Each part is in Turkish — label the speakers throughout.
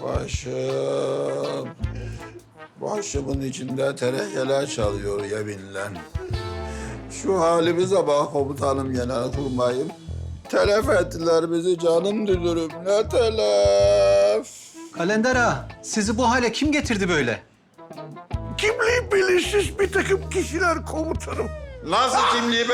Speaker 1: Başım. Başımın içinde terekeler çalıyor yeminle. Şu halimize bak komutanım Genelkurmay'ım. Telef ettiler bizi canım dülürüm. Ne telef?
Speaker 2: Kalender ağa, sizi bu hale kim getirdi böyle?
Speaker 3: Kimliği belirsiz bir takım kişiler komutanım.
Speaker 1: Nasıl kimliği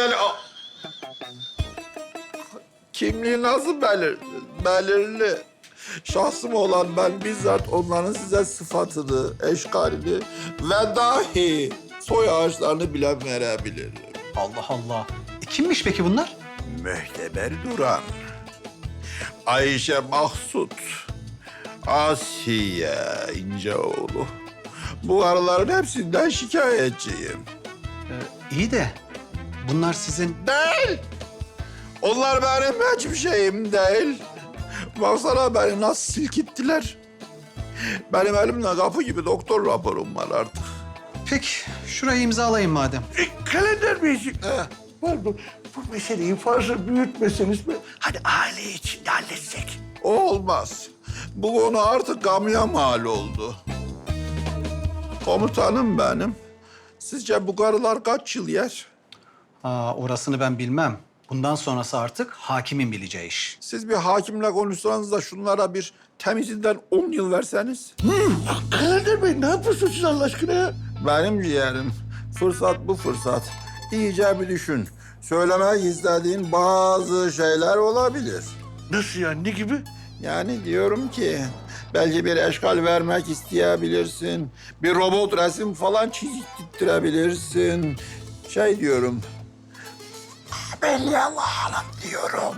Speaker 1: Kimliği nasıl belirli? Şahsım olan ben bizzat onların size sıfatını, eşkalini ve dahi soy ağaçlarını bile verebilirim.
Speaker 2: Allah Allah. Kimmiş peki bunlar?
Speaker 1: Mühteber Duran, Ayşe Mahsut, Asiye İnceoğlu. Bu araların hepsinden şikayetçiyim.
Speaker 2: İyi de bunlar sizin...
Speaker 1: Değil. Onlar benim hiçbir şeyim değil. Baksana beni nasıl silkittiler. Benim elimde kapı gibi doktor raporum var artık.
Speaker 2: Peki, şurayı imzalayın madem.
Speaker 3: Kalender Beyciğim. Pardon, bu meseleyi fazla büyütmeseniz mi? Hani aile içinde halletsek.
Speaker 1: O olmaz. Bu konu artık gamya mal oldu. Komutanım benim. Sizce bu karılar kaç yıl yer?
Speaker 2: Orasını ben bilmem. Bundan sonrası artık hakimin bileceği iş.
Speaker 1: Siz bir hakimle konuşsanız da şunlara bir temizinden 10 yıl verseniz.
Speaker 3: Kalender Bey ne yapıyorsunuz siz Allah aşkına ya?
Speaker 1: Benim ciğerim. Fırsat bu fırsat. İyice bir düşün. Söylemek istediğin bazı şeyler olabilir.
Speaker 3: Nasıl yani, ne gibi?
Speaker 1: Yani diyorum ki belki bir eşkal vermek isteyebilirsin. Bir robot resim falan çizdirttirebilirsin. Şey diyorum. Belli Allah'ım diyorum.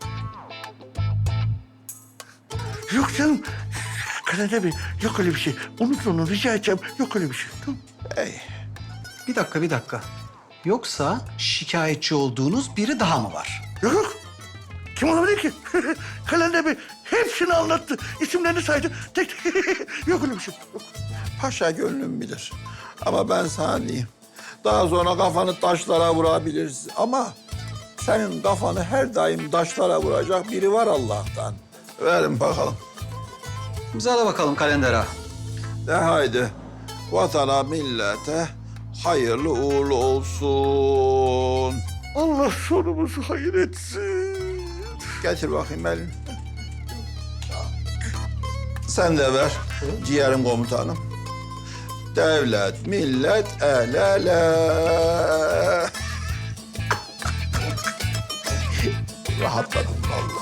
Speaker 3: Yok canım. Kalender Bey, yok öyle bir şey. Unutun onu, rica edeceğim. Yok öyle bir şey. Tamam.
Speaker 1: Ey,
Speaker 2: Bir dakika. Yoksa şikayetçi olduğunuz biri daha mı var?
Speaker 3: Yok yok. Kim olabilir ki? Kalender Bey hepsini anlattı. İsimlerini saydı. Tek tek. Yok öyle bir şey. Yok.
Speaker 1: paşa gönlüm bilir. Ama ben sana diyeyim. Daha sonra kafanı taşlara vurabilirsin. Ama senin kafanı her daim taşlara vuracak biri var Allah'tan. Verin bakalım.
Speaker 2: İmzala bakalım Kalender ağa.
Speaker 1: De haydi. Vatana, millete hayırlı uğurlu olsun.
Speaker 3: Allah sonumuzu hayır etsin.
Speaker 1: Getir bakayım elini. Sen de ver ciğerim komutanım. Devlet, millet, el ele. Rahatladım vallahi.